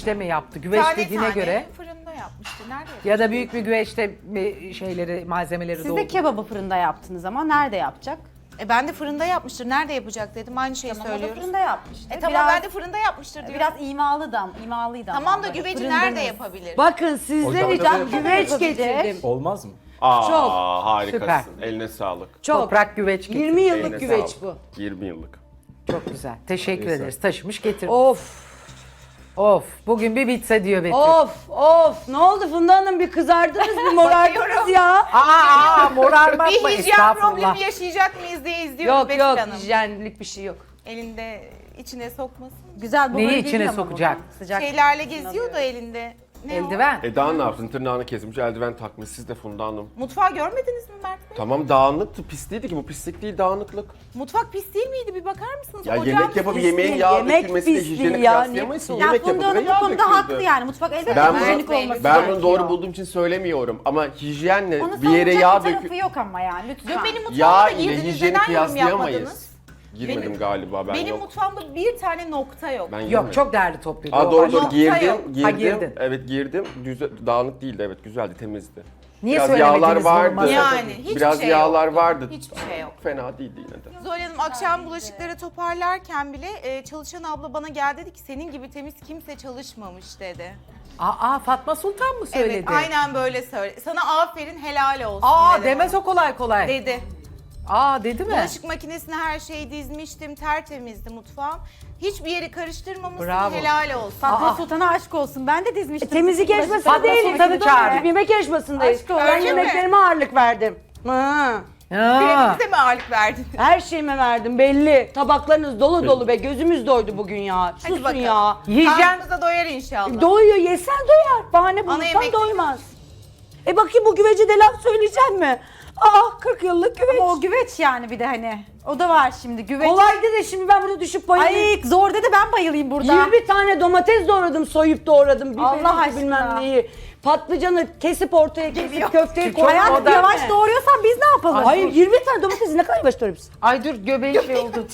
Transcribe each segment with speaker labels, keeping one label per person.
Speaker 1: güveçte mi yaptı? Güveç
Speaker 2: Tane
Speaker 1: dediğine
Speaker 2: tane
Speaker 1: göre
Speaker 2: fırında yapmıştı. Nerede yapmıştı?
Speaker 1: ya da büyük bir güveçte şeyleri, malzemeleri
Speaker 3: Siz de
Speaker 1: doldu.
Speaker 3: kebabı fırında yaptınız ama nerede yapacak?
Speaker 2: Ben de fırında yapmıştır. Nerede yapacak dedim. Aynı şeyi
Speaker 3: O da
Speaker 2: söylüyoruz.
Speaker 3: fırında yapmıştı.
Speaker 2: Tamam ben de fırında yapmıştır diyorum.
Speaker 3: biraz imalıydı ama.
Speaker 2: Tamam da
Speaker 3: böyle
Speaker 2: güveci
Speaker 3: fırında
Speaker 2: nerede
Speaker 3: mı?
Speaker 2: yapabilir?
Speaker 4: Bakın sizler
Speaker 5: Ocakta
Speaker 4: için
Speaker 5: da
Speaker 4: güveç
Speaker 3: yapabilir.
Speaker 4: getirdim.
Speaker 5: Olmaz mı?
Speaker 4: Çok.
Speaker 6: Harikasın.
Speaker 1: Süper.
Speaker 6: Eline sağlık.
Speaker 4: Çok.
Speaker 1: Toprak güveç getirdi.
Speaker 4: 20 yıllık
Speaker 6: Eline
Speaker 4: güveç
Speaker 6: sağlık.
Speaker 4: bu.
Speaker 6: 20 yıllık.
Speaker 1: Çok güzel. Teşekkür
Speaker 6: Neyse.
Speaker 1: ederiz. Taşımış getirmiş.
Speaker 4: Of.
Speaker 1: Of. Bugün bir bitse diyor Betül.
Speaker 4: Of. Ne oldu Funda Hanım, bir kızardınız, bir morardınız ya.
Speaker 1: Morarmak mı?
Speaker 2: Bir hijyen
Speaker 1: Estağfurullah.
Speaker 2: problemi yaşayacak mıyız diye izliyoruz
Speaker 4: Yok
Speaker 2: Betül
Speaker 4: yok,
Speaker 2: Hanım.
Speaker 4: hijyenlik bir şey yok.
Speaker 2: Elinde içine sokmasın.
Speaker 3: Güzel
Speaker 1: Neyi
Speaker 3: buharı
Speaker 1: içine
Speaker 3: geliyor ama
Speaker 1: sokacak?
Speaker 3: buradan. Sıcak.
Speaker 2: Şeylerle geziyor da elinde. Ne
Speaker 1: Eldiven.
Speaker 6: Eda ne yapsın? Tırnağını kesmiş, eldiven takmış. Siz de Funda Hanım.
Speaker 2: o? Mutfağı görmediniz mi Mert Bey?
Speaker 6: Tamam dağınıktı, pis değildi ki. Bu pislik değil, dağınıklık.
Speaker 2: Mutfak pis değil miydi? Bir bakar mısınız?
Speaker 6: Ya
Speaker 2: Ocağın
Speaker 6: yemek yapıp
Speaker 2: pis
Speaker 6: yemeğin
Speaker 4: değil,
Speaker 6: yağ
Speaker 4: yemek
Speaker 6: dökülmesiyle
Speaker 4: pis
Speaker 6: hijyeni
Speaker 4: değil ya,
Speaker 6: kıyaslayamayız.
Speaker 4: ne-
Speaker 3: Ya
Speaker 6: Yemek
Speaker 3: Funda
Speaker 6: yapıp
Speaker 3: Hanım
Speaker 6: ve
Speaker 3: bu
Speaker 6: yağ
Speaker 3: konuda
Speaker 6: döküldü.
Speaker 3: haklı yani. Mutfak elbette
Speaker 6: Ben
Speaker 3: hijyenik
Speaker 6: bunu,
Speaker 3: olması
Speaker 6: ben
Speaker 3: gerekiyor.
Speaker 6: bunu doğru bulduğum için söylemiyorum ama hijyenle
Speaker 3: Onu
Speaker 6: bir yere
Speaker 3: savunacak
Speaker 6: yağ
Speaker 3: bir tarafı
Speaker 6: döküp
Speaker 3: yok ama yani lütfen.
Speaker 2: Yok benim
Speaker 6: yağ
Speaker 2: mutfağımda
Speaker 6: ile
Speaker 2: girdiniz.
Speaker 6: hijyeni
Speaker 2: Neden yorum yapmadınız?
Speaker 6: kıyaslayamayız. Girmedim
Speaker 2: Benim-
Speaker 6: galiba ben
Speaker 2: Benim
Speaker 6: yok.
Speaker 2: mutfağımda bir tane nokta yok.
Speaker 6: Ben
Speaker 1: Yok
Speaker 6: girmedim.
Speaker 1: çok değerli topluyordu.
Speaker 6: Aa,
Speaker 1: O
Speaker 6: doğru
Speaker 1: başka.
Speaker 6: doğru girdim,
Speaker 2: yok.
Speaker 1: Ha,
Speaker 6: girdim.
Speaker 1: girdin.
Speaker 6: Evet girdim. Dağınık değildi, evet güzeldi, temizdi.
Speaker 1: Niye
Speaker 6: Biraz
Speaker 1: söylemediniz
Speaker 6: yağlar
Speaker 1: bunu
Speaker 6: vardı.
Speaker 1: masada?
Speaker 2: Yani hiçbir
Speaker 6: Biraz
Speaker 2: şey
Speaker 6: yağlar
Speaker 2: yoktu.
Speaker 6: vardı.
Speaker 2: Hiçbir şey yok.
Speaker 6: Fena değildi yine de.
Speaker 2: Zuhal Hanım akşam bulaşıkları toparlarken bile çalışan abla bana geldi dedi ki senin gibi temiz kimse çalışmamış dedi.
Speaker 1: Aa Fatma Sultan mı söyledi?
Speaker 2: Evet aynen böyle söyle. Sana aferin helal olsun
Speaker 1: Aa
Speaker 2: dedi
Speaker 1: demez
Speaker 2: bana.
Speaker 1: o kolay kolay.
Speaker 2: Dedi.
Speaker 1: Aa dedi mi?
Speaker 2: Bulaşık makinesine her şeyi dizmiştim, tertemizdi mutfağım. Hiçbir yeri karıştırmamışsın,
Speaker 1: Bravo.
Speaker 2: helal olsun.
Speaker 3: Fatma Sultan'a aşk olsun. Ben de dizmiştim.
Speaker 4: Temizlik yarışmasında
Speaker 1: Fatma
Speaker 4: değiliz.
Speaker 1: Sultan'ı çağırın.
Speaker 4: Yemek yarışmasındayız.
Speaker 3: Aşk olsun.
Speaker 4: Ben
Speaker 2: Öyle mi?
Speaker 4: yemeklerime ağırlık verdim. Ha.
Speaker 1: Ha.
Speaker 2: Kremimize mi ağırlık verdin?
Speaker 4: Her şeyime verdim belli. Tabaklarınız dolu dolu be. Gözümüz doydu bugün ya. Susun
Speaker 2: bakalım.
Speaker 4: ya.
Speaker 1: Hijyen
Speaker 2: Karnımıza doyar inşallah.
Speaker 4: Doyuyor, yesen doyar. Bahane
Speaker 2: Ana
Speaker 4: bulursan
Speaker 2: yemek-
Speaker 4: doymaz. Bakayım bu güvece de laf söyleyecek mi? Aa 40 yıllık güveç.
Speaker 3: Ama o güveç yani bir de hani. O da var şimdi güveç.
Speaker 4: Kolaydı da şimdi ben burada düşüp bayılayım.
Speaker 3: Ay zor dedi ben bayılayım burada.
Speaker 4: 20 tane domates doğradım, soyup doğradım.
Speaker 3: Allah
Speaker 4: Biberi,
Speaker 3: aşkına.
Speaker 4: bilmem neyi. Patlıcanı kesip ortaya kesip köfteyi
Speaker 1: Çok
Speaker 4: koyar.
Speaker 1: modern.
Speaker 3: Yavaş doğuruyorsan biz ne yapalım?
Speaker 4: Hayır 20 tane domatesi ne kadar yavaş doğruyorsun?
Speaker 1: Ay dur göbeği şey oldu.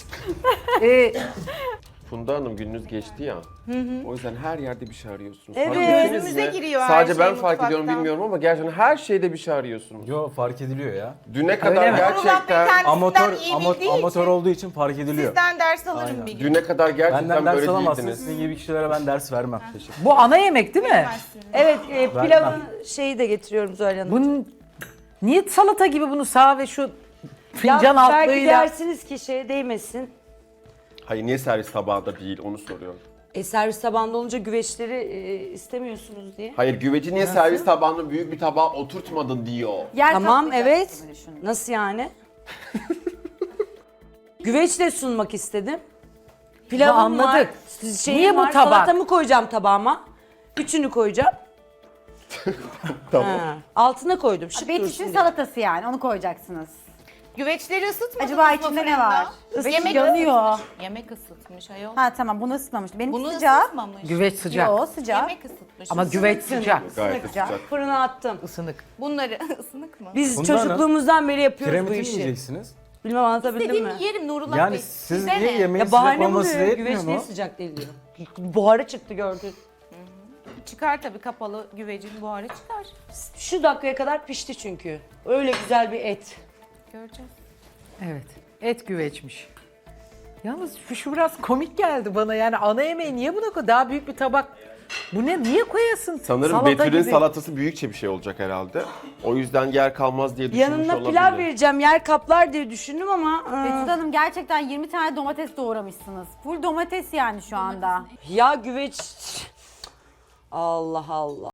Speaker 6: Funda Hanım gününüz geçti ya. O yüzden her yerde bir şey arıyorsunuz.
Speaker 4: Evet.
Speaker 6: Fark ettiniz
Speaker 2: Gözümüze
Speaker 6: mi?
Speaker 2: giriyor her
Speaker 6: Sadece
Speaker 2: şey
Speaker 6: ben fark ediyorum
Speaker 2: mutfaktan.
Speaker 6: bilmiyorum ama gerçekten her şeyde bir şey arıyorsunuz.
Speaker 5: Yo, fark ediliyor ya.
Speaker 6: Düne kadar
Speaker 1: mi?
Speaker 6: gerçekten
Speaker 5: Amatör
Speaker 2: iyi bildiği
Speaker 5: amatör
Speaker 2: için
Speaker 5: olduğu için fark ediliyor.
Speaker 2: sizden ders alırım
Speaker 5: Aynen.
Speaker 2: bir gün.
Speaker 6: düne kadar gerçekten
Speaker 5: Benden ders
Speaker 6: böyle
Speaker 5: alamazsınız.
Speaker 6: değildiniz.
Speaker 5: Sizin gibi kişilere ben ders vermem. Teşekkür.
Speaker 1: Bu ana yemek değil mi?
Speaker 2: Bilemezsiniz.
Speaker 4: Evet pilavın şeyi de getiriyorum Zuhal Hanım.
Speaker 1: Bunun niye salata gibi bunu sağ ve şu
Speaker 4: Ya
Speaker 1: fincan
Speaker 4: belki
Speaker 1: altlığıyla
Speaker 4: dersiniz ki şeye değmesin.
Speaker 6: Hayır niye servis tabağında değil onu soruyorum.
Speaker 4: Servis tabağında olunca güveçleri istemiyorsunuz diye.
Speaker 6: Hayır güveci niye servis tabağında büyük bir tabağa oturtmadın diyor.
Speaker 3: Yer
Speaker 4: Tamam
Speaker 3: kaplayacaksın
Speaker 4: evet.
Speaker 3: gibi düşünün.
Speaker 4: Nasıl yani? Güveçle sunmak istedim. Pilavım
Speaker 1: anladık.
Speaker 4: var. Şeyim
Speaker 1: Niye bu
Speaker 4: var,
Speaker 1: tabak?
Speaker 4: Salatamı koyacağım tabağıma. Üçünü koyacağım.
Speaker 6: Tamam.
Speaker 4: Ha, altına koydum. Şık
Speaker 3: Betüş'ün
Speaker 4: dursun diye.
Speaker 3: salatası yani onu koyacaksınız.
Speaker 2: Güveçleri ısıtmadınız
Speaker 3: Acaba
Speaker 2: mı
Speaker 3: içinde ne
Speaker 2: fırında?
Speaker 3: var?
Speaker 2: Yemek
Speaker 3: Yanıyor.
Speaker 2: ısıtmış. Yemek ısıtmış ayol.
Speaker 3: Ha tamam bunu ısıtmamıştım. Benim
Speaker 2: Bunu
Speaker 3: sıcak.
Speaker 2: ısıtmamış.
Speaker 1: güveç sıcak.
Speaker 3: Yo sıcak.
Speaker 2: Yemek ısıtmış.
Speaker 1: Ama güveç sıcak.
Speaker 6: Gayet de
Speaker 3: Sıcak.
Speaker 6: sıcak.
Speaker 4: Fırına attım.
Speaker 1: Isınık.
Speaker 2: Bunları ısınık mı?
Speaker 4: Biz
Speaker 5: Funda Hanım,
Speaker 4: çocukluğumuzdan beri yapıyoruz bu
Speaker 5: Kiremiti mi
Speaker 4: işi.
Speaker 5: yiyeceksiniz?
Speaker 4: Bilmem anlatabildim
Speaker 2: Dediğim
Speaker 4: mi?
Speaker 2: yerim Nurullah
Speaker 5: Yani
Speaker 2: Bey.
Speaker 5: siz
Speaker 2: Size
Speaker 5: niye
Speaker 2: ne?
Speaker 5: yemeğin
Speaker 4: Ya
Speaker 5: sıcak
Speaker 4: bahane
Speaker 5: olması
Speaker 4: buluyor.
Speaker 5: yetmiyor
Speaker 4: Güveç niye
Speaker 5: mu?
Speaker 4: sıcak değil diyor. Buharı çıktı gördün.
Speaker 2: Çıkar tabii kapalı güvecin buharı çıkar.
Speaker 4: Şu dakikaya kadar pişti çünkü. Öyle güzel bir et.
Speaker 2: Göreceğiz.
Speaker 1: Evet. Et güveçmiş. Yalnız şu biraz komik geldi bana yani ana yemeği niye buna koy? Daha büyük bir tabak. Bu ne? Niye koyasın?
Speaker 6: Sanırım
Speaker 1: Salata
Speaker 6: Betül'ün
Speaker 1: gibi.
Speaker 6: salatası büyükçe bir şey olacak herhalde. O yüzden yer kalmaz diye düşünmüş
Speaker 4: Yanına
Speaker 6: olabilir.
Speaker 4: pilav vereceğim, yer kaplar diye düşündüm ama...
Speaker 3: Betül Hanım gerçekten 20 tane domates doğramışsınız. Full domates yani şu anda.
Speaker 4: Ya güveç... Allah Allah.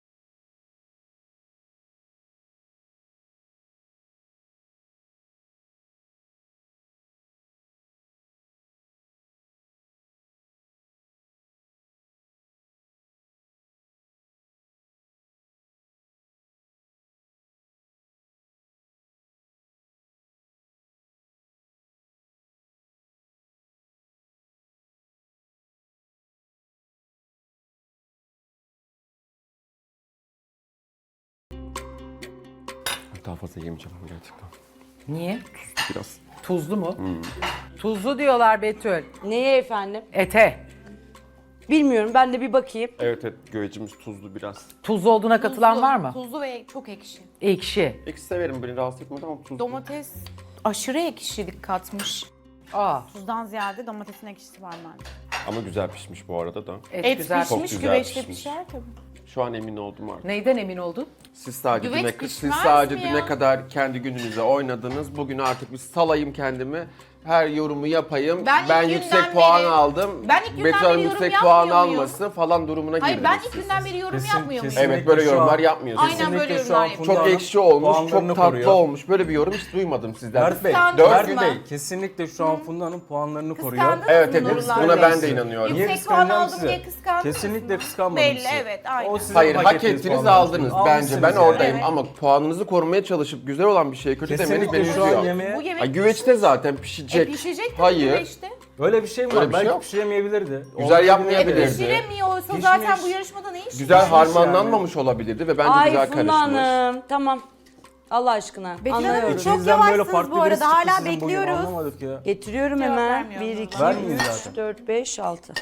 Speaker 6: Daha fazla yemeyeceğim gerçekten.
Speaker 1: Niye?
Speaker 6: Biraz.
Speaker 1: Tuzlu mu? Tuzlu diyorlar Betül.
Speaker 4: Neye efendim?
Speaker 1: Ete.
Speaker 4: Bilmiyorum, ben de bir bakayım.
Speaker 6: Evet güvecimiz tuzlu biraz.
Speaker 1: Tuzlu olduğuna katılan
Speaker 2: Tuzlu,
Speaker 1: var mı?
Speaker 2: Tuzlu ve çok ekşi.
Speaker 1: Ekşi.
Speaker 6: Ekşi severim, beni rahatsız etmedi ama tuzlu.
Speaker 2: Domates aşırı ekşilik katmış.
Speaker 1: Aa,
Speaker 3: Tuzdan ziyade domatesin ekşisi var bence.
Speaker 6: Ama güzel pişmiş bu arada da.
Speaker 2: Et
Speaker 1: güzel.
Speaker 6: Çok
Speaker 2: pişmiş,
Speaker 6: güzel
Speaker 2: güveçte
Speaker 6: pişmiş.
Speaker 2: pişer tabii.
Speaker 6: Şu an emin oldum artık.
Speaker 1: Neyden emin oldun?
Speaker 6: Siz sadece
Speaker 2: Güveç
Speaker 6: düne,
Speaker 2: pişmez
Speaker 6: siz sadece
Speaker 2: mi
Speaker 6: düne
Speaker 2: ya?
Speaker 6: kadar kendi gününüze oynadınız. Bugün artık bir salayım kendimi. Her yorumu yapayım.
Speaker 2: Ben
Speaker 6: Ben
Speaker 2: ilk
Speaker 6: yüksek
Speaker 2: günden
Speaker 6: puan
Speaker 2: beri-
Speaker 6: aldım.
Speaker 2: Ben ilk günden
Speaker 6: Betül Hanım
Speaker 2: beri yorum
Speaker 6: yüksek puan
Speaker 2: yapmıyor muyum?
Speaker 6: almasın falan durumuna
Speaker 2: Hayır
Speaker 6: girdiniz
Speaker 2: ben ilk
Speaker 6: siz.
Speaker 2: günden beri yorum yapmıyor muyum?
Speaker 6: Evet böyle
Speaker 5: Kesinlikle şu
Speaker 6: yorumlar
Speaker 5: an-
Speaker 6: yapmıyorsunuz.
Speaker 2: Aynen böyle
Speaker 5: Kesinlikle şu an
Speaker 2: yorumlar
Speaker 5: Funda
Speaker 6: Çok
Speaker 5: Hanım
Speaker 6: ekşi olmuş,
Speaker 5: puanlarını
Speaker 6: çok tatlı
Speaker 5: koruyor.
Speaker 6: olmuş. Böyle bir yorum hiç duymadım sizden.
Speaker 5: Mert Bey,
Speaker 2: Kıskandınız
Speaker 5: Mert
Speaker 2: mı?
Speaker 5: Bey kesinlikle şu an Funda Hanım puanlarını koruyor.
Speaker 2: Kıskandınız
Speaker 6: Evet
Speaker 2: mı
Speaker 6: evet
Speaker 2: Nurullah
Speaker 6: buna
Speaker 2: Bey?
Speaker 6: ben de inanıyorum.
Speaker 5: Niye
Speaker 2: Yüksek puan
Speaker 5: kıskanacağım
Speaker 2: aldım
Speaker 5: size?
Speaker 2: diye kıskandınız
Speaker 5: Kesinlikle
Speaker 2: mı?
Speaker 5: kıskanmadım
Speaker 2: Belli,
Speaker 5: sizi.
Speaker 2: evet, aynen.
Speaker 5: O sizin
Speaker 6: Hayır hak
Speaker 5: ettiğiniz
Speaker 6: ettiniz
Speaker 5: puanlar.
Speaker 6: aldınız bence.
Speaker 5: Almışsınız
Speaker 6: Ben
Speaker 5: yani.
Speaker 6: oradayım
Speaker 2: Evet.
Speaker 6: ama puanınızı korumaya çalışıp güzel olan bir şey kötü demeniz beni
Speaker 5: Kesinlikle şu an
Speaker 6: üzüyor.
Speaker 5: yemeğe
Speaker 2: Bu yemek
Speaker 6: Ay, güveçte zaten pişecek.
Speaker 2: pişecek tabii
Speaker 6: Hayır.
Speaker 2: güveçte.
Speaker 5: öyle bir şey mi
Speaker 6: Öyle
Speaker 5: var?
Speaker 6: bir şey
Speaker 5: Belki
Speaker 6: yok.
Speaker 5: pişiremeyebilirdi.
Speaker 6: Güzel yapmayabilirdi.
Speaker 2: Pişiremiyorsa
Speaker 5: Pişmiş.
Speaker 2: zaten bu yarışmada ne iş?
Speaker 6: Güzel
Speaker 5: Pişmiş
Speaker 6: harmanlanmamış olabilirdi ve bence
Speaker 4: Ay
Speaker 6: güzel
Speaker 4: Funda
Speaker 6: karışmış.
Speaker 4: Hanım, tamam. Allah aşkına,
Speaker 3: Betül Hanım,
Speaker 4: anlıyorum.
Speaker 3: çok
Speaker 5: İçinizden böyle
Speaker 3: yavaşsınız
Speaker 5: farklı
Speaker 3: bu arada.
Speaker 5: birisi çıktı
Speaker 3: Hala
Speaker 5: sizin bugün,
Speaker 3: bekliyoruz.
Speaker 5: Anlamadık ya.
Speaker 4: Getiriyorum
Speaker 2: Cevap
Speaker 4: hemen.
Speaker 2: vermiyor
Speaker 4: 1,
Speaker 2: Nurullah.
Speaker 4: 2,
Speaker 5: Vermeyin
Speaker 4: 3,
Speaker 5: zaten.
Speaker 4: 4, 5, 6.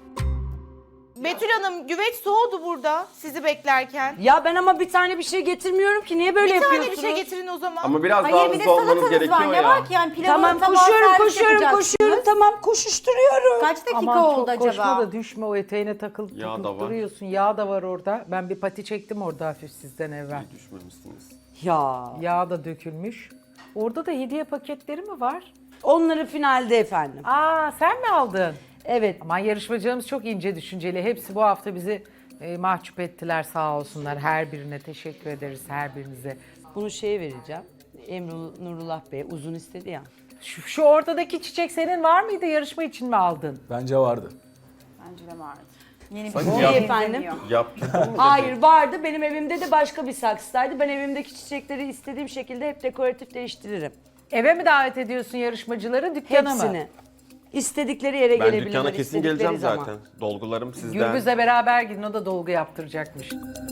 Speaker 2: Betül Hanım güveç soğudu burada sizi beklerken.
Speaker 4: Ya ben ama bir tane bir şey getirmiyorum ki. Niye böyle
Speaker 2: Bir tane
Speaker 4: yapıyorsunuz?
Speaker 2: bir şey getirin o zaman.
Speaker 6: Ama biraz daha
Speaker 3: Hayır bir de
Speaker 6: hızlı olmanız
Speaker 3: salatanız
Speaker 6: gerekiyor
Speaker 3: var. Ne
Speaker 6: ya.
Speaker 3: var ki yani pilavı
Speaker 4: Tamam
Speaker 3: tabağa
Speaker 4: koşuyorum,
Speaker 3: servis yapacaksınız.
Speaker 4: tamam koşuşturuyorum.
Speaker 3: Kaç dakika
Speaker 1: Aman
Speaker 3: oldu
Speaker 1: çok koşma
Speaker 3: acaba?
Speaker 1: da düşme o eteğine takılıp
Speaker 6: Yağ da
Speaker 1: takılıp
Speaker 6: var.
Speaker 1: duruyorsun. Yağ da var orada. Ben bir pati çektim orada hafif sizden evvel.
Speaker 6: Düşmemişsiniz.
Speaker 4: Ya
Speaker 1: Yağ da dökülmüş. Orada da hediye paketleri mi var?
Speaker 4: onları finalde efendim.
Speaker 1: Aa sen mi aldın?
Speaker 4: Evet.
Speaker 1: Aman yarışmacılarımız çok ince düşünceli. Hepsi bu hafta bizi mahcup ettiler sağ olsunlar. Her birine teşekkür ederiz her birinize.
Speaker 4: Bunu şeye vereceğim. Emru Nurullah Bey uzun istedi ya.
Speaker 1: Şu ortadaki çiçek senin var mıydı? Yarışma için mi aldın?
Speaker 5: Bence vardı.
Speaker 3: Bence de vardı. Yeni bir
Speaker 6: Sanki
Speaker 3: şey
Speaker 6: yap-
Speaker 4: efendim.
Speaker 6: Yaptırdın mı?
Speaker 4: Hayır vardı. Benim evimde de başka bir saksıdaydı. Ben evimdeki çiçekleri istediğim şekilde hep dekoratif değiştiririm.
Speaker 1: Eve mi davet ediyorsun yarışmacıları, dükkana mı?
Speaker 4: Hepsini. İstedikleri yere
Speaker 6: Ben
Speaker 4: gelebilirler.
Speaker 6: dükkana kesin
Speaker 4: istedikleri
Speaker 6: geleceğim
Speaker 4: zaman.
Speaker 6: zaten. Dolgularım sizden.
Speaker 1: Gürbüz'le beraber gidin, o da dolgu yaptıracakmış.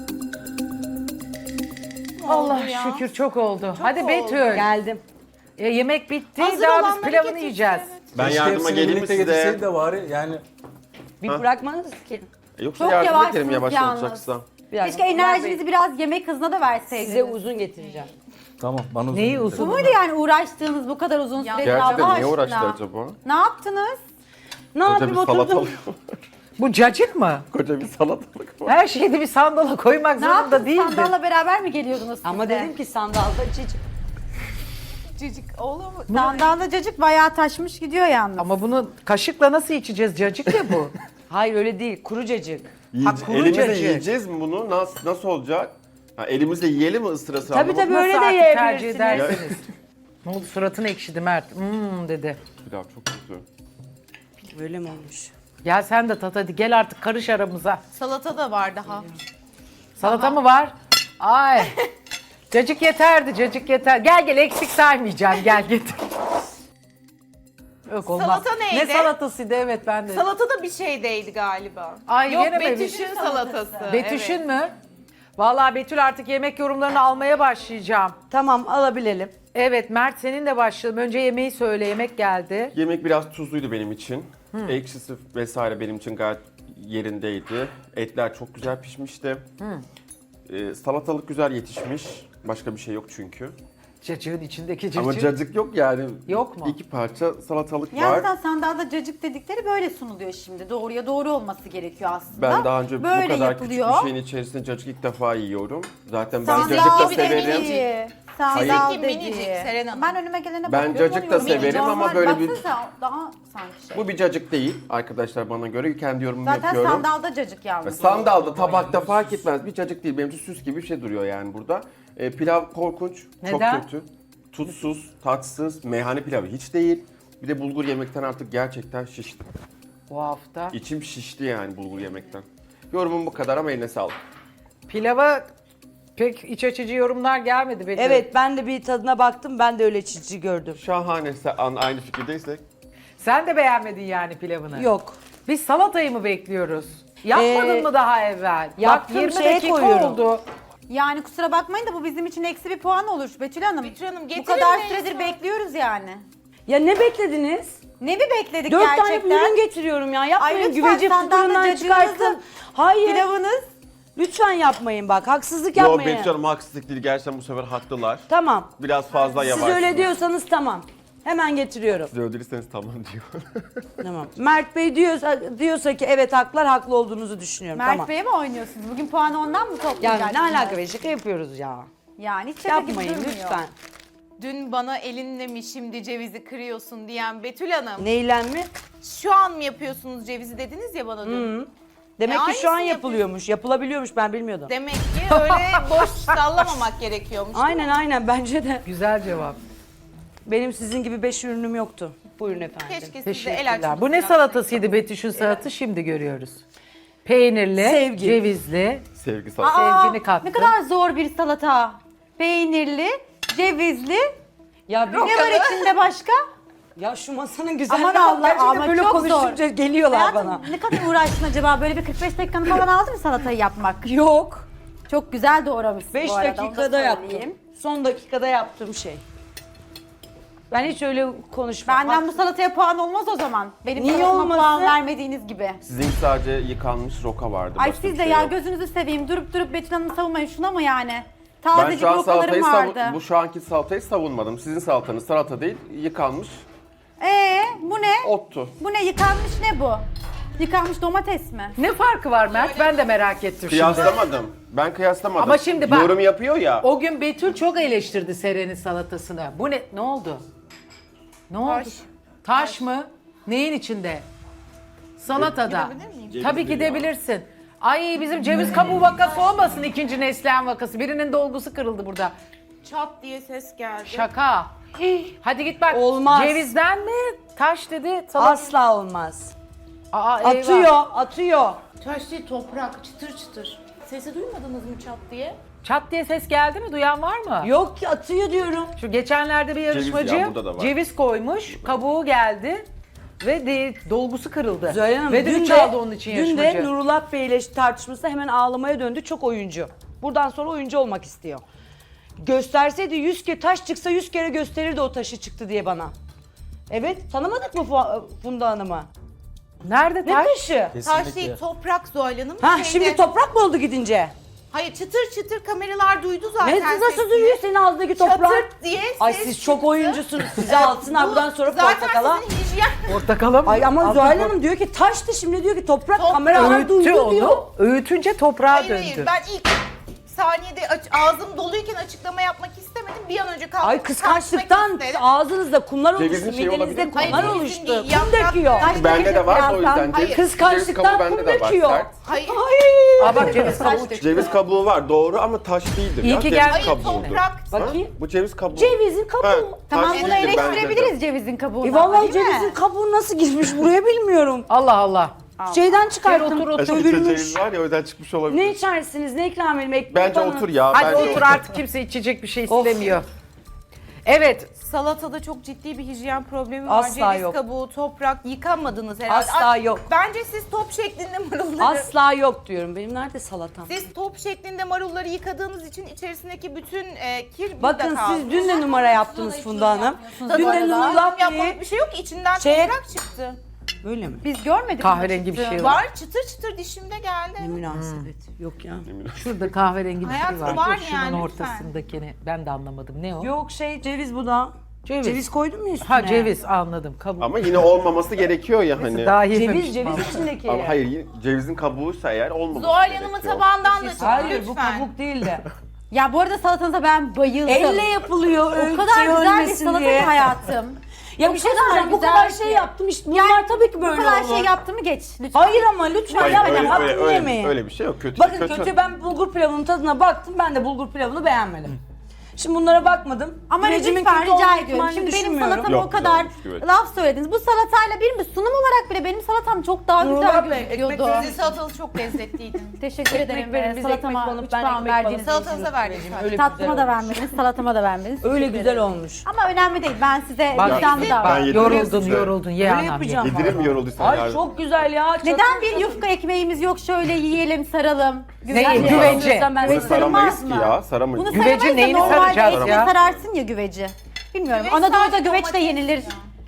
Speaker 1: Allah
Speaker 2: ya?
Speaker 1: şükür çok oldu. Hadi
Speaker 2: oldu.
Speaker 1: Betül.
Speaker 4: Geldim.
Speaker 1: Yemek bitti,
Speaker 2: Hazır
Speaker 1: daha biz
Speaker 2: olanları
Speaker 1: pilavını
Speaker 2: getirsin,
Speaker 1: yiyeceğiz.
Speaker 2: evet.
Speaker 6: Ben
Speaker 5: Keşke
Speaker 6: yardıma
Speaker 5: hepsini
Speaker 6: geleyim mi
Speaker 5: birlikte
Speaker 6: size?
Speaker 5: getirseydi de bari yani.
Speaker 4: Bir bırakmanız ki.
Speaker 6: Yoksa
Speaker 3: Çok
Speaker 6: yardım
Speaker 3: yavaşsınız
Speaker 6: ederim yavaş
Speaker 3: yalnız.
Speaker 6: olacaksa.
Speaker 4: Bir dakika.
Speaker 3: Keşke enerjinizi biraz yemek hızına da verseydiniz.
Speaker 4: Size uzun getireceğim.
Speaker 5: Tamam bana uzun
Speaker 1: Neyi
Speaker 5: getir.
Speaker 1: uzun?
Speaker 3: Bu muydu yani uğraştığınız bu kadar uzun süredir Allah
Speaker 6: Gerçekten niye
Speaker 3: aşkına?
Speaker 6: uğraştı acaba?
Speaker 3: Ne yaptınız?
Speaker 4: Ne
Speaker 6: Koca
Speaker 4: yapayım
Speaker 6: bir
Speaker 4: oturdum.
Speaker 6: salatalık.
Speaker 1: Bu cacık mı?
Speaker 6: Koca bir salatalık var.
Speaker 1: Her şeyi de bir sandala koymak
Speaker 3: Ne
Speaker 1: zorunda
Speaker 3: yaptınız?
Speaker 1: değildi.
Speaker 3: Sandalla beraber mi geliyordunuz siz
Speaker 4: Ama
Speaker 3: de?
Speaker 4: dedim ki sandalda çiçek.
Speaker 2: Cicik olur mu?
Speaker 3: Sandalla cacık bayağı taşmış gidiyor yalnız.
Speaker 1: Ama bunu kaşıkla nasıl içeceğiz? Cacık ya bu.
Speaker 4: Hayır öyle değil. Kuru cacık.
Speaker 1: kuru
Speaker 6: Elimizle
Speaker 1: cacık.
Speaker 6: yiyeceğiz mi bunu? Nasıl olacak? Ha, elimizle yiyelim mi ısırası?
Speaker 4: Tabii tabii
Speaker 1: Nasıl
Speaker 4: öyle de
Speaker 1: artık tercih
Speaker 4: yiyebilirsiniz.
Speaker 1: edersiniz? Ne oldu, suratın ekşidi Mert. Dedi.
Speaker 6: Pilav çok kötü.
Speaker 4: Böyle mi olmuş?
Speaker 1: Gel sen de tat hadi, gel artık karış aramıza.
Speaker 2: Salata da var daha.
Speaker 1: Salata mı var? Ay. Cacık yeterdi, cacık yeter. Gel eksik saymayacağım, gel getir. Yok olmaz.
Speaker 2: Salata neydi?
Speaker 1: Ne salatasıydı, evet ben de.
Speaker 2: Salata da bir şeydeydi galiba.
Speaker 1: Ay,
Speaker 2: Yok
Speaker 1: yine mi?
Speaker 2: Betüş'ün salatası.
Speaker 1: Betüş'ün
Speaker 2: evet.
Speaker 1: mü? Vallahi Betül artık yemek yorumlarını almaya başlayacağım.
Speaker 4: Tamam alabilelim.
Speaker 1: Evet Mert senin de başlayalım. Önce yemeği söyle, yemek geldi.
Speaker 6: Yemek biraz tuzluydu benim için. Ekşisi vesaire benim için gayet yerindeydi. Etler çok güzel pişmişti. Salatalık güzel yetişmiş. Başka bir şey yok çünkü.
Speaker 1: Cacığın içindeki cacık.
Speaker 6: Ama cacık yok yani.
Speaker 1: Yok mu?
Speaker 6: 2 parça salatalık
Speaker 3: Yani
Speaker 6: var.
Speaker 3: zaten sandalda cacık dedikleri böyle sunuluyor şimdi. Doğruya doğru olması gerekiyor aslında.
Speaker 6: Ben daha önce
Speaker 3: böyle
Speaker 6: bu kadar
Speaker 3: yapılıyor.
Speaker 6: küçük bir şeyin içerisinde cacık ilk defa yiyorum. Zaten ben
Speaker 3: Sandal
Speaker 6: cacık da
Speaker 2: bir de
Speaker 6: severim.
Speaker 2: minicik.
Speaker 3: Sandal
Speaker 2: Sizinki minicik,
Speaker 3: dediği.
Speaker 2: Seren Hanım.
Speaker 3: Ben önüme gelene
Speaker 6: Ben
Speaker 3: bakıyorum.
Speaker 6: cacık da
Speaker 3: onu yorumluyorum.
Speaker 6: severim ama
Speaker 3: Normal,
Speaker 6: böyle bir-
Speaker 3: baksanıza, daha sanki şey.
Speaker 6: Bu bir cacık değil arkadaşlar bana göre. Kendi yorumumu
Speaker 3: Zaten
Speaker 6: yapıyorum.
Speaker 3: sandalda cacık yalnız.
Speaker 6: Sandalda, tabakta fark etmez. Bir cacık değil. Benim için süs gibi bir şey duruyor yani burada. Pilav korkunç.
Speaker 1: Neden?
Speaker 6: Çok kötü. Tuzsuz, tatsız, meyhane pilavı hiç değil. Bir de bulgur yemekten artık gerçekten şiştim.
Speaker 1: Bu hafta.
Speaker 6: İçim şişti yani bulgur yemekten. Yorumum bu kadar ama eline sağlık.
Speaker 1: Pilava pek iç açıcı yorumlar gelmedi Betül.
Speaker 4: Evet ben de bir tadına baktım. Ben de öyle çiçeği gördüm.
Speaker 6: Şahane, aynı fikirdeysek.
Speaker 1: Sen de beğenmedin yani pilavını.
Speaker 4: Yok.
Speaker 1: Biz salatayı mı bekliyoruz? Yapmadın mı daha evvel?
Speaker 4: yaptım,
Speaker 1: Bak 20
Speaker 4: şeye
Speaker 1: dakika
Speaker 4: koyuyorum.
Speaker 1: oldu.
Speaker 3: Yani kusura bakmayın da bu bizim için eksi bir puan olur Betül Hanım.
Speaker 2: Betül Hanım,
Speaker 3: Bu
Speaker 2: getirin
Speaker 3: kadar
Speaker 2: neyse.
Speaker 3: süredir bekliyoruz yani.
Speaker 4: Ya ne beklediniz?
Speaker 3: Ne mi bekledik
Speaker 4: 4 tane
Speaker 3: gerçekten?
Speaker 4: ürün getiriyorum ya. Yapmayın
Speaker 3: Ay lütfen,
Speaker 4: güveci
Speaker 3: senden de
Speaker 4: fıtığından
Speaker 3: cacığınızı,
Speaker 4: çıkarttım. Hayır.
Speaker 3: Pilavınız.
Speaker 4: Lütfen yapmayın bak. Haksızlık
Speaker 6: Yo
Speaker 4: yapmayın.
Speaker 6: Betül Hanım haksızlık değil. Gerçekten bu sefer haklılar.
Speaker 4: Tamam.
Speaker 6: Biraz fazla
Speaker 4: Siz
Speaker 6: yavaş.
Speaker 4: öyle diyorsanız tamam. Hemen getiriyorum.
Speaker 6: Siz öldürürseniz tamam diyor.
Speaker 4: Tamam. Mert Bey diyorsa ki evet haklar, haklı olduğunuzu düşünüyorum.
Speaker 3: Mert
Speaker 4: tamam.
Speaker 3: Bey'e mi oynuyorsunuz? Bugün puanı ondan mı toplayacaksınız?
Speaker 4: Yani ne alaka be, şaka yapıyoruz ya.
Speaker 3: Yani hiç şaka gibi
Speaker 4: Yapmayın
Speaker 3: durmuyor.
Speaker 4: lütfen.
Speaker 2: Dün bana elinle mi şimdi cevizi kırıyorsun diyen Betül Hanım.
Speaker 4: Neyle mi?
Speaker 2: Şu an mı yapıyorsunuz cevizi dediniz ya bana dün.
Speaker 4: Demek ki şu an
Speaker 2: aynısını
Speaker 4: yapılıyormuş. Yapılabiliyormuş, ben bilmiyordum.
Speaker 2: Demek ki öyle boş sallamamak gerekiyormuş.
Speaker 4: Aynen bence de.
Speaker 1: Güzel cevap.
Speaker 4: Benim sizin gibi 5 ürünüm yoktu. Buyurun efendim.
Speaker 2: Keşke siz de el
Speaker 1: Teşekkürler.
Speaker 2: açmışsınız.
Speaker 1: Bu ne salatasıydı Betüş'ün salatı? Şimdi görüyoruz. Peynirli,
Speaker 4: Sevgi.
Speaker 1: cevizli,
Speaker 6: Sevgi sana.
Speaker 1: sevgini kattı.
Speaker 3: Ne kadar zor bir salata. Peynirli, cevizli.
Speaker 4: Ya
Speaker 3: Ne var içinde başka?
Speaker 4: Ya şu masanın güzelliği
Speaker 3: Aman Allah,
Speaker 4: gerçekten
Speaker 3: ama
Speaker 4: böyle
Speaker 3: çok
Speaker 4: konuşunca
Speaker 3: zor.
Speaker 4: geliyorlar
Speaker 3: Hayatım,
Speaker 4: bana.
Speaker 3: ne kadar uğraştın acaba? Böyle bir 45 dakikanı falan aldı mı salatayı yapmak?
Speaker 4: Yok.
Speaker 3: Çok güzel doğramışsın
Speaker 4: 5
Speaker 3: bu arada. onu da
Speaker 4: dakikada yaptım.
Speaker 3: söyleyeyim.
Speaker 4: Son dakikada yaptığım şey. Ben hiç öyle konuşmam.
Speaker 3: Benden
Speaker 4: Bak,
Speaker 3: bu salataya puan olmaz o zaman. Benim
Speaker 4: Niye
Speaker 3: salatıma
Speaker 4: olmasın?
Speaker 3: puan vermediğiniz gibi.
Speaker 6: Sizinki sadece yıkanmış roka vardı.
Speaker 3: Ay
Speaker 6: başka
Speaker 3: siz
Speaker 6: bir
Speaker 3: de
Speaker 6: şey
Speaker 3: ya
Speaker 6: yok.
Speaker 3: gözünüzü seveyim. Durup Betül Hanım'ı savunmayın. Şuna mı yani?
Speaker 6: Ben
Speaker 3: Tazecik
Speaker 6: şu an
Speaker 3: rokalarım vardı.
Speaker 6: bu şu anki salatayı savunmadım. Sizin salatanız salata değil, yıkanmış
Speaker 3: Bu ne?
Speaker 6: ottu.
Speaker 3: Bu ne? Yıkanmış ne bu? Yıkanmış domates mi?
Speaker 1: Ne farkı var Mert? Ben de merak ettim şimdi.
Speaker 6: Kıyaslamadım. Ben kıyaslamadım.
Speaker 1: Ama şimdi bak-
Speaker 6: Yorum yapıyor ya.
Speaker 1: O gün Betül çok eleştirdi Seren'in salatasını. Bu ne? Ne oldu? Ne oldu?
Speaker 2: Taş.
Speaker 1: Taş mı? Neyin içinde? Salatada.
Speaker 2: Gidebilir miyim?
Speaker 1: Tabii gidebilirsin. Ay bizim ceviz kabuğu vakası olmasın ikinci Neslihan vakası. Birinin dolgusu kırıldı burada.
Speaker 2: Çat diye ses geldi.
Speaker 1: Şaka. Hadi git bak.
Speaker 4: Olmaz.
Speaker 1: Cevizden mi? Taş dedi. Salata.
Speaker 4: asla olmaz.
Speaker 1: Aa, eyvah.
Speaker 4: Atıyor.
Speaker 2: Taş değil toprak çıtır çıtır. Sesi duymadınız mı çat diye?
Speaker 1: Çat diye ses geldi mi? Duyan var mı?
Speaker 4: Yok ki atıyor diyorum.
Speaker 1: Şu geçenlerde bir yarışmacı
Speaker 6: ya, burada da var.
Speaker 1: ceviz koymuş, kabuğu geldi ve dolgusu kırıldı.
Speaker 4: Zöhre Hanım,
Speaker 1: ve
Speaker 4: dün
Speaker 1: de çaldı onun için
Speaker 4: dün de
Speaker 1: yarışmacı.
Speaker 4: Nurullah Bey ile tartışmasında hemen ağlamaya döndü. Çok oyuncu. Buradan sonra oyuncu olmak istiyor. Gösterseydi 100 kere taş çıksa 100 kere gösterirdi o taşı çıktı diye bana. Evet, tanımadık mı Funda Hanım'ı?
Speaker 1: Nerede
Speaker 4: Ne
Speaker 1: taş?
Speaker 4: taşı?
Speaker 2: Taş değil toprak Zuhal Hanım.
Speaker 4: Ha
Speaker 2: Şeyde-
Speaker 4: şimdi toprak mı oldu gidince?
Speaker 2: Hayır çıtır çıtır kameralar duydu zaten.
Speaker 4: Ne nasıl
Speaker 2: sesini.
Speaker 4: duyuyor senin ağzındaki toprak?
Speaker 2: Çatırt diye
Speaker 4: Ay
Speaker 2: ses
Speaker 4: siz çok
Speaker 2: çıktı.
Speaker 4: oyuncusunuz. Size alsınlar buradan sonra
Speaker 2: Zaten
Speaker 4: portakala.
Speaker 2: sizin hijyen...
Speaker 1: Portakala mı?
Speaker 4: Ay ama
Speaker 1: Altın
Speaker 4: Zuhal
Speaker 1: por-
Speaker 4: Hanım diyor ki taştı, şimdi diyor ki toprak,
Speaker 2: Toprak.
Speaker 4: kameralar
Speaker 1: Öğüttü
Speaker 4: duydu diyor.
Speaker 1: onu. Öğütünce toprağa
Speaker 2: Hayır
Speaker 1: döndü.
Speaker 2: hayır ben ilk saniyede ağzım doluyken açıklama yapmak istemedim. Bir an önce kalkıp
Speaker 4: Ay kıskançlıktan ağzınızda kumlar oluştu,
Speaker 6: Cevizin şeyi olabilir
Speaker 4: midenizde
Speaker 6: mi?
Speaker 4: kumlar
Speaker 2: Hayır,
Speaker 4: oluştu.
Speaker 2: cevizin değil,
Speaker 4: Kum
Speaker 2: yaprak-
Speaker 4: döküyor.
Speaker 2: Ay,
Speaker 6: Bende de var o yüzden.
Speaker 2: Hayır.
Speaker 6: Ceviz
Speaker 4: Kıskançlıktan
Speaker 6: kabuğu
Speaker 4: kum
Speaker 6: bende de var,
Speaker 4: döküyor.
Speaker 6: sert.
Speaker 2: Hayır.
Speaker 1: Aa bak ceviz kabuğu çıktı.
Speaker 6: Ceviz kabuğu var doğru ama taş değildir.
Speaker 1: İyi
Speaker 6: ya.
Speaker 1: ki
Speaker 6: Ceviz
Speaker 1: geldin.
Speaker 2: Hayır
Speaker 6: kabuğudur.
Speaker 2: toprak.
Speaker 4: Bakayım.
Speaker 6: Bu ceviz kabuğu.
Speaker 4: Cevizin kabuğu.
Speaker 6: Ha,
Speaker 3: Tamam
Speaker 6: taş
Speaker 3: bunu
Speaker 6: değildir bence de.
Speaker 3: eleştirebiliriz cevizin kabuğunu.
Speaker 4: Vallahi
Speaker 3: değil mi?
Speaker 4: cevizin kabuğu nasıl girmiş buraya bilmiyorum.
Speaker 1: Allah Allah.
Speaker 4: Şeyden
Speaker 1: Gel
Speaker 4: çıkarttım.
Speaker 1: otur otur.
Speaker 6: Açıkça
Speaker 4: Dövülmüş.
Speaker 6: ceviz var ya o yüzden çıkmış olabilir.
Speaker 4: Ne içersiniz? Ne ikram edeyim? Ekmek
Speaker 6: Bence
Speaker 4: bana.
Speaker 6: otur ya.
Speaker 1: Hadi
Speaker 6: bence
Speaker 1: otur artık kimse içecek bir şey istemiyor. Evet.
Speaker 2: Salatada çok ciddi bir hijyen problemi var.
Speaker 4: Asla
Speaker 2: Ceviz
Speaker 4: yok.
Speaker 2: kabuğu, toprak yıkamadınız herhalde.
Speaker 4: Asla yok.
Speaker 2: Bence siz top şeklinde marulları...
Speaker 4: Asla yok diyorum. Benim nerede salatam?
Speaker 2: Siz top şeklinde marulları yıkadığınız için içerisindeki bütün kir burada
Speaker 4: Bakın
Speaker 2: kaldı.
Speaker 4: siz dün de numara yaptınız Funda Hanım. Dün de Nurullah Bey'i...
Speaker 2: Yapmak bir şey yok ki içinden
Speaker 4: Şeye-
Speaker 2: toprak çıktı.
Speaker 4: Böyle mi?
Speaker 3: Biz görmedik.
Speaker 1: Kahverengi bir
Speaker 3: mi?
Speaker 1: şey var.
Speaker 2: Var çıtır çıtır dişimde geldi.
Speaker 4: Ne münasebet. Yok ya.
Speaker 1: Şurada kahverengi bir şey
Speaker 2: Hayatım
Speaker 1: var.
Speaker 2: var
Speaker 1: Şunun
Speaker 2: yani,
Speaker 1: ortasındakini ben de anlamadım. Ne o?
Speaker 4: Yok ceviz bu da.
Speaker 1: Ceviz.
Speaker 4: Ceviz koydun mu üstüne?
Speaker 1: Ha ceviz anladım. Kabuğu.
Speaker 6: Ama yine olmaması gerekiyor ya hani.
Speaker 1: Daha yememiştim
Speaker 4: Ceviz
Speaker 1: ama.
Speaker 4: içindeki.
Speaker 6: Ama hayır cevizin kabuğuysa eğer olmaması
Speaker 2: Zuhal
Speaker 6: gerekiyor.
Speaker 2: Hanım'ın tabağından da çıktı
Speaker 4: Hayır bu
Speaker 2: lütfen.
Speaker 4: kabuk değil de.
Speaker 3: Ya bu arada salatanıza ben bayıldım.
Speaker 4: Elle yapılıyor.
Speaker 3: O kadar güzel bir salata ki hayatım.
Speaker 4: Ya bir şey
Speaker 3: kadar
Speaker 4: söyleyeceğim. Bu
Speaker 3: güzel
Speaker 4: kadar
Speaker 3: ki.
Speaker 4: şey yaptım işte. Bunlar tabii ki
Speaker 3: Bu
Speaker 4: böyle
Speaker 3: kadar
Speaker 4: olur.
Speaker 3: şey yaptı mı geç lütfen.
Speaker 4: Hayır ama lütfen
Speaker 6: Hayır,
Speaker 4: yapmayın.
Speaker 6: öyle,
Speaker 4: Hakkını
Speaker 6: öyle,
Speaker 4: yemeyin.
Speaker 6: öyle bir şey yok. Kötü.
Speaker 4: Bakın kötü ben bulgur pilavının tadına baktım. Ben de bulgur pilavını beğenmedim. Şimdi bunlara bakmadım.
Speaker 3: Ama
Speaker 4: Güvecimin
Speaker 3: lütfen
Speaker 4: kötü
Speaker 3: rica
Speaker 4: olma
Speaker 3: ediyorum.
Speaker 4: ihtimalini
Speaker 3: Şimdi benim
Speaker 4: düşünmüyorum.
Speaker 3: salatama
Speaker 6: Yok,
Speaker 3: o kadar
Speaker 6: güzelmiş, güveç.
Speaker 3: laf söylediniz. Bu salatayla benim bir sunum olarak bile benim salatam çok daha güzel
Speaker 4: Nurullah Bey,
Speaker 3: gözüküyordu.
Speaker 4: ekmek
Speaker 2: Sizin salatanız çok lezzetliydi.
Speaker 3: Teşekkür ederim.
Speaker 4: verin, biz
Speaker 3: Salatama
Speaker 4: ekmek banıp
Speaker 3: 3
Speaker 4: ben
Speaker 3: puan
Speaker 4: ekmek
Speaker 3: verdiğiniz
Speaker 4: banıp
Speaker 3: için.
Speaker 2: Salatanıza verdik sadece.
Speaker 4: Öyle
Speaker 3: Tatlıma
Speaker 4: güzel
Speaker 3: da
Speaker 4: olmuş.
Speaker 3: vermediniz, salatıma da vermediniz.
Speaker 4: Öyle
Speaker 3: Teşekkür
Speaker 4: güzel
Speaker 3: ederim.
Speaker 4: olmuş.
Speaker 3: Ama önemli değil. Ben size
Speaker 1: Bak,
Speaker 3: vicdanlı
Speaker 6: ben
Speaker 3: davranıyorum.
Speaker 6: yedim.
Speaker 1: Yoruldun
Speaker 6: size.
Speaker 1: yoruldun ye
Speaker 4: Öyle
Speaker 1: anam ye.
Speaker 4: yapacağım.
Speaker 6: Yedirir mi yorulduysan
Speaker 4: Ay
Speaker 6: yardım?
Speaker 4: çok güzel ya.
Speaker 3: Neden bir yufka ekmeğimiz yok şöyle yiyelim, saralım.
Speaker 1: Ne,
Speaker 3: bir-
Speaker 1: güvence.
Speaker 4: Ben
Speaker 6: Bunu
Speaker 3: Güveci
Speaker 6: saramayız
Speaker 3: sarılmaz
Speaker 6: ki
Speaker 3: mı?
Speaker 6: ya. Saramayız.
Speaker 3: Bunu
Speaker 1: Güveci
Speaker 3: saramayız da
Speaker 1: neyini
Speaker 3: normalde
Speaker 1: saracağız
Speaker 3: ekmeği
Speaker 1: ya?
Speaker 3: sararsın ya güveci. Bilmiyorum.
Speaker 2: Güveç
Speaker 3: Anadolu'da
Speaker 2: sadece
Speaker 3: güveç de
Speaker 2: domates
Speaker 3: yenilir.
Speaker 2: ya.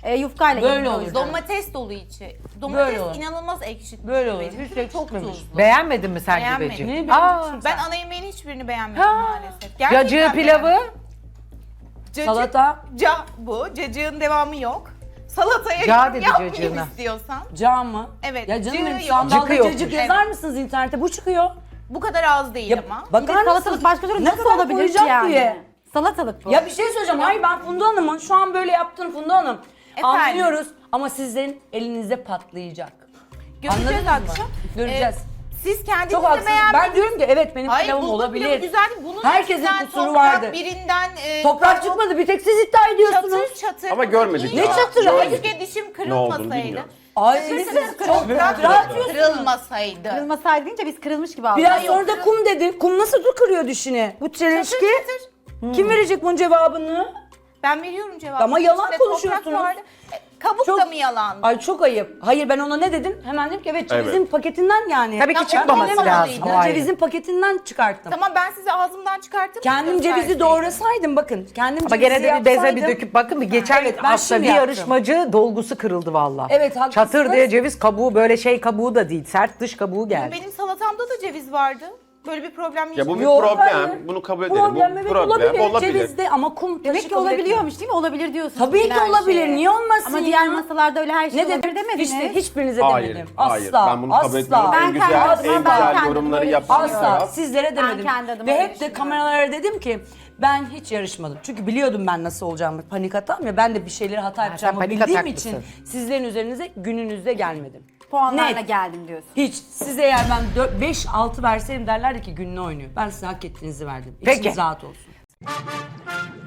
Speaker 3: Yufkayla
Speaker 4: Böyle
Speaker 3: yedim o
Speaker 4: olur.
Speaker 3: yüzden.
Speaker 2: Domates dolu içi.
Speaker 4: Böyle
Speaker 2: Domates
Speaker 4: olur.
Speaker 2: inanılmaz ekşitmiş.
Speaker 4: Böyle olur.
Speaker 2: Benimki
Speaker 4: Hiç
Speaker 2: de çok
Speaker 4: ekşitmemiş.
Speaker 2: tuzlu.
Speaker 1: Beğenmedin mi sen
Speaker 2: Beğenmedim.
Speaker 1: güveci?
Speaker 4: Neyi
Speaker 1: Aa,
Speaker 4: beğendin?
Speaker 2: Ben ana yemeğin hiçbirini beğenmedim maalesef. Gerçekten
Speaker 1: cacığı pilavı.
Speaker 2: beğenmedim. Cacık,
Speaker 4: Salata.
Speaker 2: bu. Cacığın devamı yok. Salataya
Speaker 1: Ca
Speaker 2: yorum
Speaker 1: dedi
Speaker 2: yapmayayım
Speaker 1: cacığına.
Speaker 2: istiyorsan.
Speaker 4: Cağ mı?
Speaker 2: Evet,
Speaker 4: Ya canım
Speaker 2: cığı
Speaker 4: benim
Speaker 2: yok.
Speaker 4: sandalda
Speaker 1: Cıkı yokmuş.
Speaker 4: cacık yazar mısınız internette? Bu çıkıyor.
Speaker 2: Bu kadar az değil
Speaker 4: Ya
Speaker 2: ama.
Speaker 3: Bir de
Speaker 4: bakar mısınız?
Speaker 3: salatalık başka türlü
Speaker 4: Ne
Speaker 3: nasıl
Speaker 4: kadar
Speaker 3: olabilir ki
Speaker 4: koyacak
Speaker 3: yani?
Speaker 4: diye.
Speaker 3: Salatalık bu.
Speaker 4: Ya bir şey söyleyeceğim. Hayır ben Funda Hanım'ın şu an böyle yaptığını Funda Hanım.
Speaker 2: Efendim?
Speaker 4: Anlıyoruz ama sizin elinizde patlayacak.
Speaker 2: Göreceğiz
Speaker 4: Anladınız mı?
Speaker 2: akşam.
Speaker 4: Göreceğiz.
Speaker 2: Siz kendiniz
Speaker 4: Çok
Speaker 2: de
Speaker 4: haklısınız.
Speaker 2: beğenmediniz.
Speaker 4: Ben diyorum ki evet benim
Speaker 2: Hayır,
Speaker 4: pilavım
Speaker 2: bulgur
Speaker 4: olabilir.
Speaker 2: pilavı güzel. Bunun
Speaker 4: Herkesin
Speaker 2: içinden
Speaker 4: kusuru
Speaker 2: toprak,
Speaker 4: vardı.
Speaker 2: birinden
Speaker 4: Toprak çıkmadı bir tek siz iddia ediyorsunuz.
Speaker 2: çatır çatır.
Speaker 6: Ama görmedik
Speaker 2: İyi.
Speaker 6: ya.
Speaker 4: çatırı?
Speaker 6: Görmedik.
Speaker 2: Keşke dişim
Speaker 6: Ne olduğunu
Speaker 2: kırılmasaydı.
Speaker 6: bilmiyorum.
Speaker 4: Ay
Speaker 2: Çatır
Speaker 4: siz
Speaker 2: çatır
Speaker 4: çok
Speaker 2: toprak
Speaker 4: rahat atıyorsunuz.
Speaker 2: kırılmasaydı.
Speaker 3: Kırılmasaydı deyince biz kırılmış gibi aldık.
Speaker 4: Biraz
Speaker 2: Yok,
Speaker 4: sonra da kum dedi. Kum nasıl kırıyor dişini? Bu çelişki.
Speaker 2: çatır.
Speaker 4: Kim verecek bunun cevabını?
Speaker 2: Ben veriyorum cevabı.
Speaker 4: Ama yalan
Speaker 2: İçinde
Speaker 4: konuşuyorsunuz.
Speaker 2: toprak vardı. Kabuk
Speaker 4: Çok-
Speaker 2: da mı yalan?
Speaker 4: Ay çok ayıp. Hayır ben ona ne dedim? Hemen dedim ki evet cevizin
Speaker 6: Evet.
Speaker 4: paketinden yani.
Speaker 1: Tabii ki
Speaker 2: Tamam,
Speaker 1: çıkmaması
Speaker 2: ben
Speaker 1: lazım.
Speaker 2: bilemedim.
Speaker 1: O ayrı.
Speaker 4: Cevizin paketinden çıkarttım.
Speaker 2: Tamam ben size ağzımdan çıkarttım.
Speaker 4: Kendim cevizi doğrasaydım bakın. Kendim
Speaker 1: Ama
Speaker 4: cevizi
Speaker 1: gene de bir beze bir
Speaker 4: yapsaydım-
Speaker 1: döküp bakın bir geçen
Speaker 4: Evet, ben
Speaker 1: hafta
Speaker 4: şimdi
Speaker 1: bir
Speaker 4: yaptım.
Speaker 1: yarışmacı dolgusu kırıldı valla.
Speaker 4: Evet, haklısınız.
Speaker 1: Çatır diye ceviz kabuğu böyle şey kabuğu da değil sert dış kabuğu geldi.
Speaker 2: Benim salatamda da ceviz vardı. Böyle bir problem
Speaker 6: Ya bu bir
Speaker 4: Yok,
Speaker 6: problem.
Speaker 4: hayır.
Speaker 6: Bunu kabul edelim.
Speaker 4: Problem
Speaker 6: Bu
Speaker 4: evet
Speaker 6: problem olabilir.
Speaker 4: Cevizde ama kum taşı
Speaker 3: Demek ki
Speaker 4: kabul
Speaker 3: olabiliyormuş değil mi? Olabilir diyorsunuz.
Speaker 4: etmiyorum. Tabii ki
Speaker 3: her
Speaker 4: olabilir.
Speaker 3: şeye.
Speaker 4: Niye olmasın
Speaker 3: Ama
Speaker 4: ya?
Speaker 3: diğer masalarda öyle her şey
Speaker 4: Ne
Speaker 3: olabilir
Speaker 4: dedim?
Speaker 3: demediniz.
Speaker 4: İşte hiçbirinize
Speaker 6: Hayır,
Speaker 4: demedim.
Speaker 6: hayır.
Speaker 4: Asla.
Speaker 6: Ben bunu kabul
Speaker 4: asla.
Speaker 6: etmiyorum.
Speaker 3: Ben
Speaker 6: En güzel,
Speaker 3: kendi
Speaker 6: en
Speaker 3: adıma- ben
Speaker 6: güzel
Speaker 3: kendim
Speaker 6: yorumları
Speaker 3: böyle
Speaker 6: yapan
Speaker 4: Asla
Speaker 6: taraf.
Speaker 4: sizlere demedim.
Speaker 3: kendi adıma
Speaker 4: Ve
Speaker 3: öyle
Speaker 4: hep de
Speaker 3: düşünüyorum.
Speaker 4: kameralara dedim ki ben hiç yarışmadım. Çünkü biliyordum ben nasıl olacağımı. Panik hatam ya ben de bir şeyleri hata yapacağımı
Speaker 1: panik
Speaker 4: bildiğim
Speaker 1: ataklısın.
Speaker 4: için sizlerin üzerinize gününüzde gelmedim.
Speaker 3: Puanlarla
Speaker 4: Net.
Speaker 3: geldim diyorsun.
Speaker 4: Hiç. Size eğer ben 5-6 verseydim derlerdi ki gününü oynuyor. Ben size hak ettiğinizi verdim.
Speaker 1: Peki.
Speaker 4: İçiniz rahat olsun.